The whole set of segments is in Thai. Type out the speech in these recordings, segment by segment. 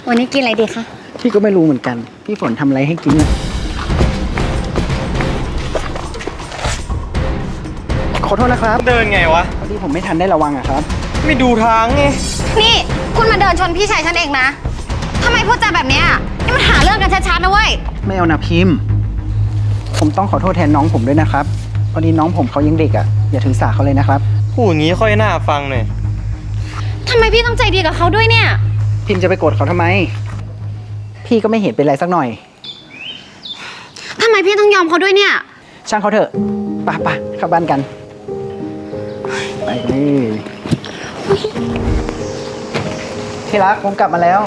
วันนี้กินอะไรดีคะพี่ก็ไม่รู้เหมือนกัน พี่ฝนทำอะไรให้กินอะขอโทษนะครับเดินไงวะพอดีผมไม่ทันได้ระวังอะครับไม่ดูทางไงนี่คุณมาเดินชนพี่ชายฉันเองนะทำไมพูดจาแบบเนี้ยนี่มันหาเรื่องกันชัดๆนะเว้ยไม่เอานะพิมพ์ ผมต้องขอโทษแทนน้องผมด้วยนะครับ พอดีน้องผมเขายังเด็กอะอย่าถือสาเขาเลยนะครับพูดอย่างนี้ค่อยน่าฟังหน่อยทำไมพี่ต้องใจดีกับเขาด้วยเนี่ยพิมพ์จะไปโกรธเขาทำไม พี่ก็ไม่เห็นเป็นไรสักหน่อยทำไมพี่ต้องยอมเขาด้วยเนี่ยช่างเขาเถอะไปเข้าบ้านกันไปเลยที่รักผมกลับมาแล้ว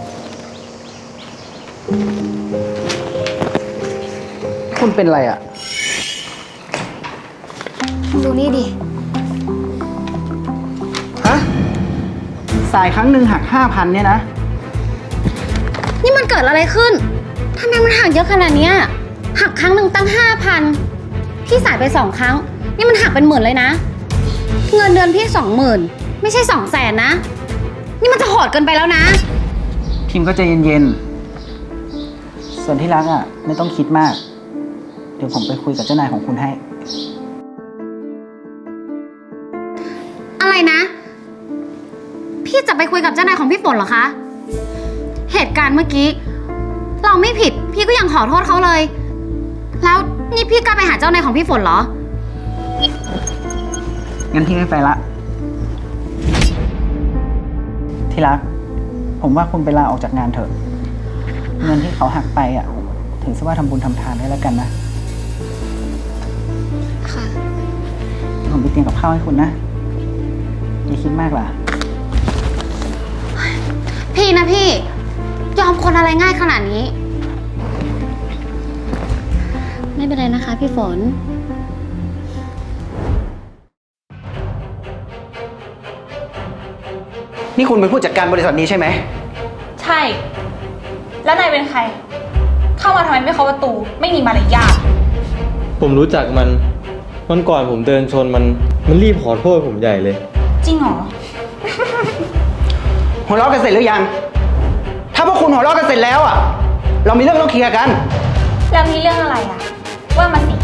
คุณเป็นอะไรอ่ะดูนี่ดิฮะสายครั้งหนึ่งหัก 5,000 เนี่ยนะนี่มันเกิดอะไรขึ้นทำไมมันหักเยอะขนาดนี้หักครั้งหนึ่งตั้ง 5,000พี่สายไป2 ครั้งนี่มันหักเป็นหมื่นเลยนะเงินเดือนพี่20,000ไม่ใช่200,000นะนี่มันจะโหดเกินไปแล้วนะพิมก็ใจเย็นๆส่วนที่รักอ่ะไม่ต้องคิดมากเดี๋ยวผมไปคุยกับเจ้านายของคุณให้อะไรนะพี่จะไปคุยกับเจ้านายของพี่ฝนเหรอคะเหตุการณ์เมื่อกี้เราไม่ผิดพี่ก็ยังขอโทษเขาเลยแล้วนี่พี่กล้าไปหาเจ้านายของพี่ฝนเหรองั้นพี่ไม่ไปละที่รักผมว่าคุณไปลาออกจากงานเถอะเงินที่เขาหักไปอ่ะถือซะว่าทำบุญทำทานให้แล้วกันนะค่ะผมไปเตรียมกับข้าวให้คุณนะอย่าคิดมากล่ะพี่นะพี่ยอมคนอะไรง่ายขนาดนี้ไม่เป็นไรนะคะพี่ฝนนี่คุณเป็นผู้จัดการบริษัทนี้ใช่ไหมใช่แล้วนายเป็นใครเข้ามาทำไมไม่เคาะประตูไม่มีมารยาทผมรู้จักมันวันก่อนผมเดินชนมันรีบขอโทษผมใหญ่เลยจริงเหรอหัวเราะกันเสร็จหรือยังถ้าพวกคุณหัวเราะกันเสร็จแล้วอ่ะเรามีเรื่องต้องเคลียร์กันแล้วมีเรื่องอะไรอ่ะว่ามาสิ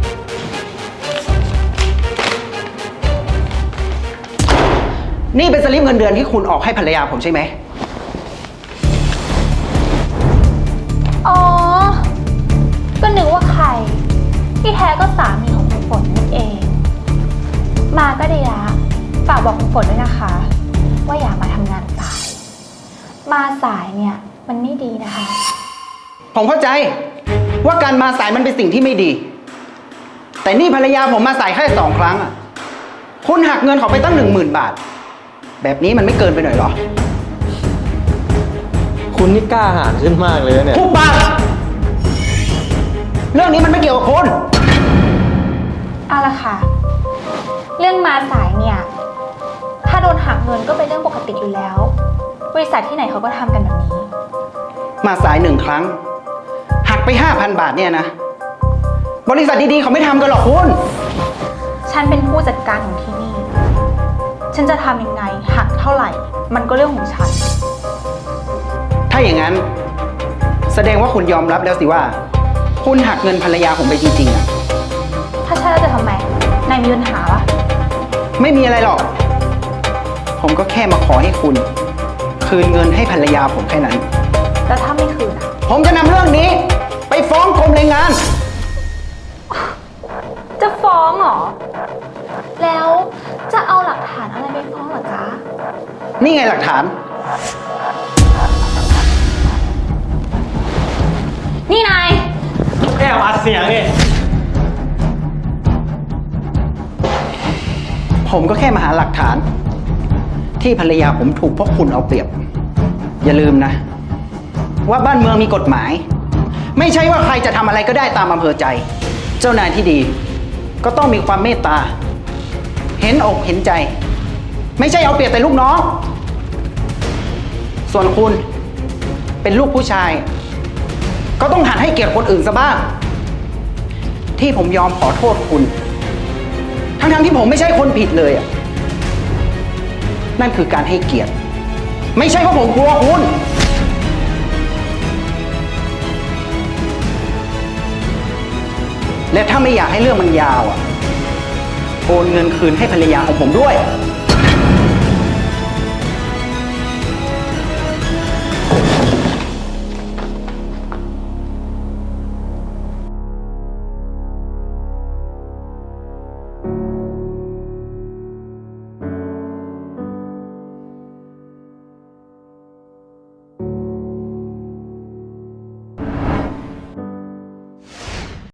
นี่เป็นสลิปเงินเดือนที่คุณออกให้ภรรยาผมใช่ไหมอ๋อก็นึกว่าใครที่แท้ก็สามีของคุณฝนนั่นเองมาก็ดีละฝากบอกคุณฝนด้วยนะคะว่าอย่ามาทำงานสายมาสายเนี่ยมันไม่ดีนะคะผมเข้าใจว่าการมาสายมันเป็นสิ่งที่ไม่ดีแต่นี่ภรรยาผมมาสายแค่2 ครั้งอ่ะคุณหักเงินเขาไปตั้ง 10,000 บาทแบบนี้มันไม่เกินไปหน่อยหรอคุณนี่กล้าหาญขึ้นมากเลยเนี่ยทุกปากเรื่องนี้มันไม่เกี่ยวกับคุณเอาละค่ะเรื่องมาสายเนี่ยถ้าโดนหักเงินก็เป็นเรื่องปกติอยู่แล้วบริษัทที่ไหนเขาก็ทำกันแบบนี้มาสาย1 ครั้งหักไป 5,000 บาทเนี่ยนะบริษัทดีๆเขาไม่ทำกันหรอกคุณฉันเป็นผู้จัดการของที่นี่ฉันจะทำยังไงหักเท่าไหร่มันก็เรื่องของฉันถ้าอย่างนั้นแสดงว่าคุณยอมรับแล้วสิว่าคุณหักเงินภรรยาผมไปจริงๆอะถ้าใช่แล้วจะทำไมนายมีปัญหาปะไม่มีอะไรหรอกผมก็แค่มาขอให้คุณคืนเงินให้ภรรยาผมแค่นั้นแล้วถ้าไม่คืนอะผมจะนำเรื่องนี้ไปฟ้องกรมแรงงานจะฟ้องเหรอแล้วจะเอาหลักฐานอะไรไปฟ้องเหรอจ๊ะนี่ไงหลักฐานนี่นายแค่อัดเสียงนี่ผมก็แค่มาหาหลักฐานที่ภรรยาผมถูกพวกคุณเอาเปรียบอย่าลืมนะว่าบ้านเมืองมีกฎหมายไม่ใช่ว่าใครจะทำอะไรก็ได้ตามอำเภอใจเจ้านายที่ดีก็ต้องมีความเมตตาเห็นอกเห็นใจไม่ใช่เอาเปรียบแต่ลูกน้องส่วนคุณเป็นลูกผู้ชายก็ต้องหัดให้เกียรติคนอื่นซะบ้างที่ผมยอมขอโทษคุณทั้งที่ผมไม่ใช่คนผิดเลยอ่ะนั่นคือการให้เกียรติไม่ใช่เพราะผมกลัวคุณและถ้าไม่อยากให้เรื่องมันยาวอ่ะ โอนเงินคืนให้ภรรยาของผมด้วย